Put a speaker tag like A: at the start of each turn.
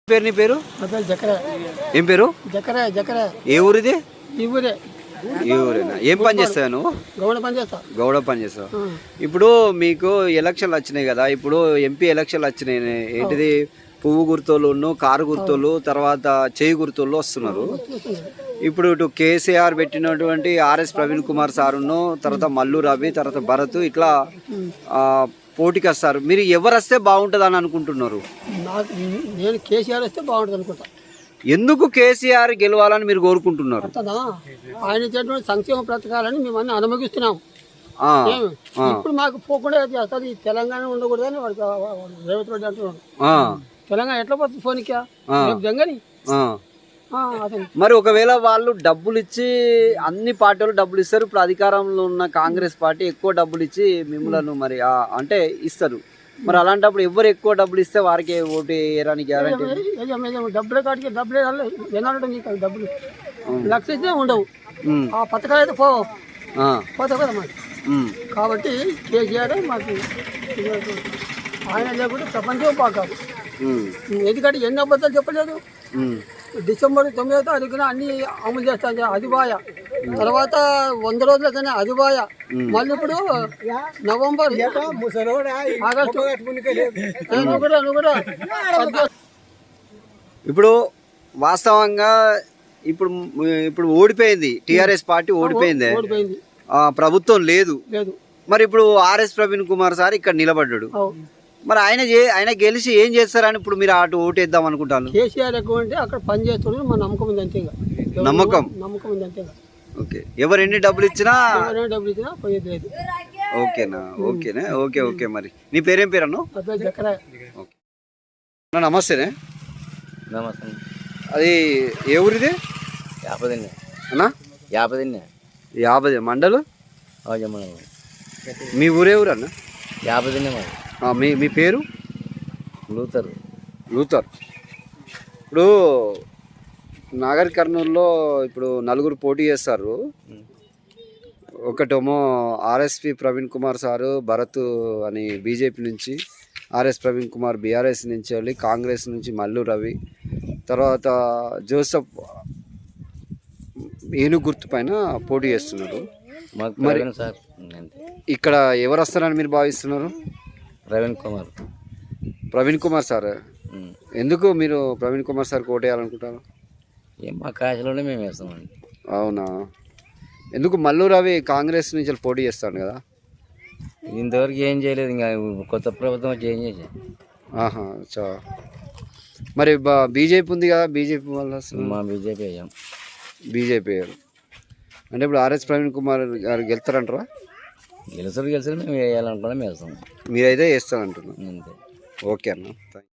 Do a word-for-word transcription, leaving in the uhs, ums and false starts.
A: పేరు నీ పేరు? ఏం పేరు? ఏ ఊరిది?
B: ఈ ఊరే.
A: ఈ ఊరేనా? ఏం పని చేస్తావు నువ్వు?
B: గౌడ పని చేస్తా.
A: గౌడ పని చేస్తావు. ఇప్పుడు మీకు ఎలక్షన్లు వచ్చినాయి కదా, ఇప్పుడు ఎంపీ ఎలక్షన్లు వచ్చినాయి. ఏంటిది? పువ్వు గుర్తోళ్ళు, కారు గుర్తోళ్ళు, తర్వాత చేయి గుర్తోళ్ళు వస్తున్నారు. ఇప్పుడు ఇటు కేసీఆర్ పెట్టినటువంటి ఆర్ఎస్ ప్రవీణ్ కుమార్ సారును, తర్వాత మల్లు రవి, తర్వాత భరత్, ఇట్లా పోటీకి వస్తారు. మీరు ఎవరు వస్తే బాగుంటుంది అని అనుకుంటున్నారు?
B: నాకు నేను కేసీఆర్ వస్తే బాగుంటుంది అనుకుంటా.
A: ఎందుకు కేసీఆర్ గెలవాలని మీరు కోరుకుంటున్నారు?
B: ఆయన ఇచ్చేటువంటి సంక్షేమ పథకాలని మేము అన్ని అనుమతిస్తున్నాం. ఇప్పుడు మాకు పోకుండా అసలు ఈ తెలంగాణ ఉండకూడదని వాడికి రేవంత్ రెడ్డి అంటున్నాడు. తెలంగాణ ఎట్లా పోతుంది ఫోన్కి జంగని.
A: మరి ఒకవేళ వాళ్ళు డబ్బులు ఇచ్చి, అన్ని పార్టీలు డబ్బులు ఇస్తారు, ఇప్పుడు అధికారంలో ఉన్న కాంగ్రెస్ పార్టీ ఎక్కువ డబ్బులు ఇచ్చి మిమ్మల్ని మరి అంటే ఇస్తారు. మరి అలాంటప్పుడు ఎవరు ఎక్కువ డబ్బులు ఇస్తే వారికి ఓటు వేయడానికి గ్యారంటీ?
B: డబ్బుల కాడికి డబ్బులే ఎన్నాళ్ళు నీకు డబ్బులు లక్ష ఇస్తే ఉండవు. ఆ పథకాలు అయితే పో పోతావు కదా మాకు. కాబట్టి కేసీఆర్ మాకు ఆయన లేకుంటే ప్రపంచం పాకాదు. ఎందుకంటే ఎన్ని అబద్ధాలు చెప్పలేదు. డిసెంబర్ తొమ్మిదో తారీఖున అన్ని అమలు చేస్తాను అది బాయ. తర్వాత వంద రోజులకనే అది బాయ. మళ్ళీ ఇప్పుడు నవంబర్ ఆగస్టు కూడా కూడా
A: ఇప్పుడు వాస్తవంగా ఇప్పుడు ఇప్పుడు ఓడిపోయింది టీఆర్ఎస్ పార్టీ, ఓడిపోయింది,
B: ఓడిపోయింది,
A: ప్రభుత్వం లేదు.
B: లేదు.
A: మరి ఇప్పుడు ఆర్ఎస్ ప్రవీణ్ కుమార్ సార్ ఇక్కడ నిలబడ్డాడు. మరి ఆయన ఆయన గెలిచి ఏం చేస్తారని ఇప్పుడు మీరు అటు ఓటు వేద్దాం అనుకుంటాను?
B: కేసీఆర్ ఎక్కువ అంటే అక్కడ పని చేస్తున్నాడు, మా నమ్మకం ఉంది అంతే.
A: నమ్మకం
B: నమ్మకం ఉంది అంతే.
A: ఓకే. ఎవరు ఎన్ని డబ్బులు ఇచ్చినా
B: డబ్బులు ఇచ్చినా పోయేది లేదు.
A: ఓకేనా? ఓకేనా? Okay okay. మరి నీ పేరేం పేరు అన్న? నమస్తేనే.
C: నమస్తే.
A: అది ఏ ఊరిది?
C: యాపదిన్నే
A: అన్నా.
C: యాపదిన్నే.
A: యాభై మండలు. మీ ఊరే ఊరు అన్న?
C: యాపదిన్నే. మరి
A: మీ మీ పేరు?
C: లూథర్.
A: లూథర్. ఇప్పుడు నాగర్ కర్నూలులో ఇప్పుడు నలుగురు పోటీ చేస్తారు. ఒకటేమో ఆర్ఎస్పి ప్రవీణ్ కుమార్ సారు, భరత్ అని బీజేపీ నుంచి, ఆర్ఎస్ ప్రవీణ్ కుమార్ బీఆర్ఎస్ నుంచి వెళ్ళి, కాంగ్రెస్ నుంచి మల్లు రవి, తర్వాత జోసఫ్ ఏనుగు గుర్తు పైన పోటీ చేస్తున్నారు.
C: మరి
A: ఇక్కడ ఎవరు వస్తారని మీరు భావిస్తున్నారు?
C: ప్రవీణ్ కుమార్.
A: ప్రవీణ్ కుమార్ సార్. ఎందుకు మీరు ప్రవీణ్ కుమార్ సార్కి ఓటు వేయాలనుకుంటారు?
C: ఏం మా కాశలోనే మేము వేస్తామండి.
A: అవునా? ఎందుకు? మల్లు రవి కాంగ్రెస్ నుంచి పోటీ చేస్తాను కదా.
C: ఇంతవరకు ఏం చేయలేదు, ఇంకా కొత్త ప్రభుత్వం వచ్చి ఏం చేసా.
A: ఆహా చా. మరి బీజేపీ ఉంది కదా, బీజేపీ వల్ల
C: మా బీజేపీ అయ్యాం.
A: బీజేపీ అయ్యారు అంటే ఇప్పుడు ఆర్ఎస్ ప్రవీణ్ కుమార్ గారు గెలుస్తారంటారా?
C: గెలుసారు గెలుసారు మేము వేయాలనుకున్నా మేము వేస్తాం.
A: మీరైతే వేస్తారంటున్నాం.
C: అంతే.
A: ఓకే అన్న.